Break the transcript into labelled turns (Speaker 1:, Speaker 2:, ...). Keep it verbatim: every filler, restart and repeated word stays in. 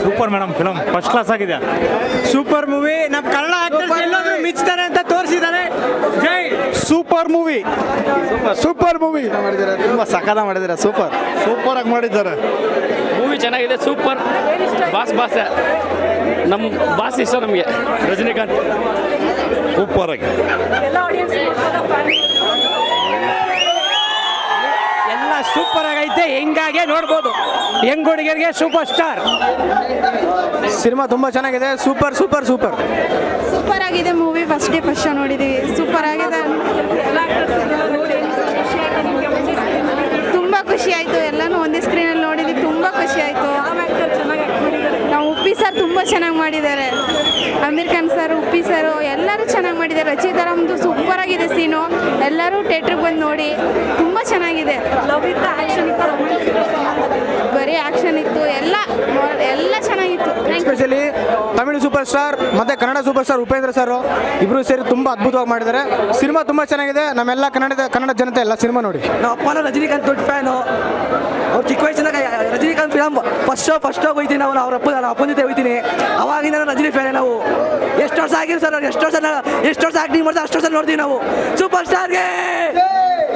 Speaker 1: Super madam, film first class ಆಗಿದೆ.
Speaker 2: Super movie. ನಮ್ಮ Kannada actors ಎಲ್ಲಾದ್ರೂ ಮಿಚ್ತಾರೆ ಅಂತ ತೋರಿಸಿದ್ದಾರೆ. ಜೈ
Speaker 1: ಸೂಪರ್ ಮೂವಿ,
Speaker 2: ಸೂಪರ್ ಮೂವಿ
Speaker 3: ಮಾಡಿದ್ದಾರೆ, ತುಂಬ ಸಖತ ಮಾಡಿದ್ದಾರೆ. ಸೂಪರ್
Speaker 1: ಸೂಪರ್ ಆಗಿ ಮಾಡಿದ್ದಾರೆ.
Speaker 4: ಮೂವಿ ಚೆನ್ನಾಗಿದೆ, ಸೂಪರ್. ಬಾಸ್ ಬಾಸ್ ನಮ್ಮ ಬಾಸ್ ಇಷ್ಟ ನಮಗೆ, ರಜನಿಕಾಂತ್.
Speaker 1: ಸೂಪರ್ ಆಗಿ
Speaker 2: ಎಲ್ಲ ಸೂಪರ್ ಆಗೈತೆ. ಹೆಂಗಾಗೆ ನೋಡ್ಬೋದು, ಹೆಂಗ್ ಹುಡುಗರಿಗೆ ಸೂಪರ್ ಸ್ಟಾರ್.
Speaker 3: ಸಿನಿಮಾ ತುಂಬ ಚೆನ್ನಾಗಿದೆ. ಸೂಪರ್ ಸೂಪರ್ ಸೂಪರ್
Speaker 5: ಸೂಪರ್ ಆಗಿದೆ movie. First day first show ನೋಡಿದ್ದೀವಿ. ಸೂಪರ್ ಆಗಿದೆ. ತುಂಬ ಖುಷಿ ಆಯಿತು. ಎಲ್ಲನೂ ಒಂದೇ ಸ್ಕ್ರೀನಲ್ಲಿ ನೋಡಿದ್ವಿ. ತುಂಬ ಖುಷಿ ಆಯಿತು. ನಾವು ಉಪ್ಪಿ ಸರ್ ತುಂಬ ಚೆನ್ನಾಗಿ ಮಾಡಿದ್ದಾರೆ. ಅಮೀರ್ ಖಾನ್ ಸರ್, ಉಪ್ಪಿ ಸರ್ ಎಲ್ಲರೂ ಚೆನ್ನಾಗಿ ಮಾಡಿದ್ದಾರೆ. ರಚಿತಾರಾಮ್ದು ಸೂಪರ್ ಆಗಿದೆ ಸೀನು. ಎಲ್ಲರೂ ಥಿಯೇಟ್ರಿಗೆ ಬಂದು ನೋಡಿ. ತುಂಬ ಚೆನ್ನಾಗಿದೆ. ಬರೀ ಆ್ಯಕ್ಷನ್ ಇತ್ತು. ಎಲ್ಲ ಎಲ್ಲ ಚೆನ್ನಾಗಿತ್ತು.
Speaker 3: ಎಸ್ಪೆಷಲಿ ತಮಿಳು ಸೂಪರ್ ಸ್ಟಾರ್ ಮತ್ತು Kannada super star Upendra sir ಇಬ್ಬರು ಸೇರಿ ತುಂಬ ಅದ್ಭುತವಾಗಿ ಮಾಡಿದ್ದಾರೆ. ಸಿನಿಮಾ ತುಂಬ ಚೆನ್ನಾಗಿದೆ. ನಮ್ಮೆಲ್ಲ ಕನ್ನಡದ ಕನ್ನಡ ಜನತೆ ಎಲ್ಲ ಸಿನಿಮಾ ನೋಡಿ.
Speaker 6: ನಮ್ಮ ಅಪ್ಪನ ರಜನಿಕಾಂತ್ ದೊಡ್ಡ ಫ್ಯಾನು. ಅವ್ರು ಚಿಕ್ಕ ವಯಸ್ಸಿನಾಗ Rajinikanth film first show first show ಹೋಗ್ತೀನಿ. ನಾವು ಅವ್ರ ಅಪ್ಪ ನಾನು ಅಪ್ಪನ ಜೊತೆ ಹೋಗ್ತೀನಿ. ಅವಾಗಿಂದ ನಾವು ರಜನಿ ಫ್ಯಾನೇ. ನಾವು ಎಷ್ಟು ವರ್ಷ ಆಗಿರೋ ಸರ್, ಎಷ್ಟು ವರ್ಷ ಎಷ್ಟು ವರ್ಷ ಆ್ಯಕ್ಟಿಂಗ್ ಮಾಡ್ತಾರೆ ಅಷ್ಟು ವರ್ಷ ನೋಡ್ತೀವಿ ನಾವು. ಸೂಪರ್ ಸ್ಟಾರ್ಗೆ